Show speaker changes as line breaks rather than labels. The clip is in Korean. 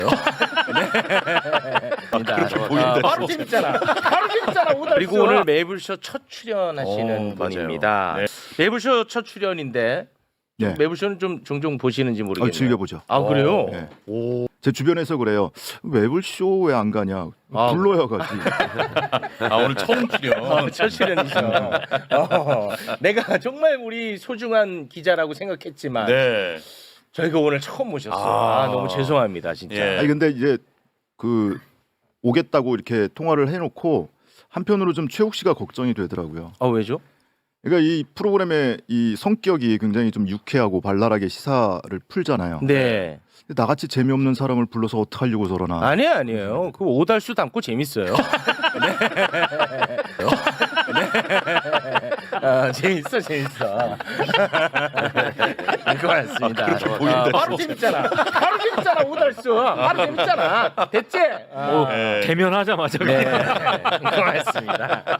바로 재밌잖아. 바로 재밌잖아. 그리고 오늘 매불쇼 첫 출연하시는 분입니다.
네.
매불쇼 첫 출연인데
네.
매불쇼는 좀 종종 보시는지 모르겠네요.
즐겨보죠.
아 그래요?
네. 제 주변에서 그래요. 매불쇼 왜 안 가냐? 불러야 가지.
아 오늘 처음 출연.
첫 출연이죠. 내가 정말 우리 소중한 기자라고 생각했지만
네.
저희가 오늘 처음 모셨어요. 너무 죄송합니다, 진짜.
예.
아니 근데 이제 그 오겠다고 이렇게 통화를 해놓고 한편으로 좀 최욱 씨가 걱정이 되더라고요.
아 왜죠?
그러니까 이 프로그램의 이 성격이 굉장히 좀 유쾌하고 발랄하게 시사를 풀잖아요.
네.
근데 나같이 재미없는 사람을 불러서 어떻게 하려고 저러나.
아니에요. 그 오달수 담고 재밌어요. 재밌어. 고맙습니다. 바로 재밌잖아. 바로 재밌잖아. 오달수. 바로 재밌잖아. 됐지?
대면하자마자.
네. 고맙습니다.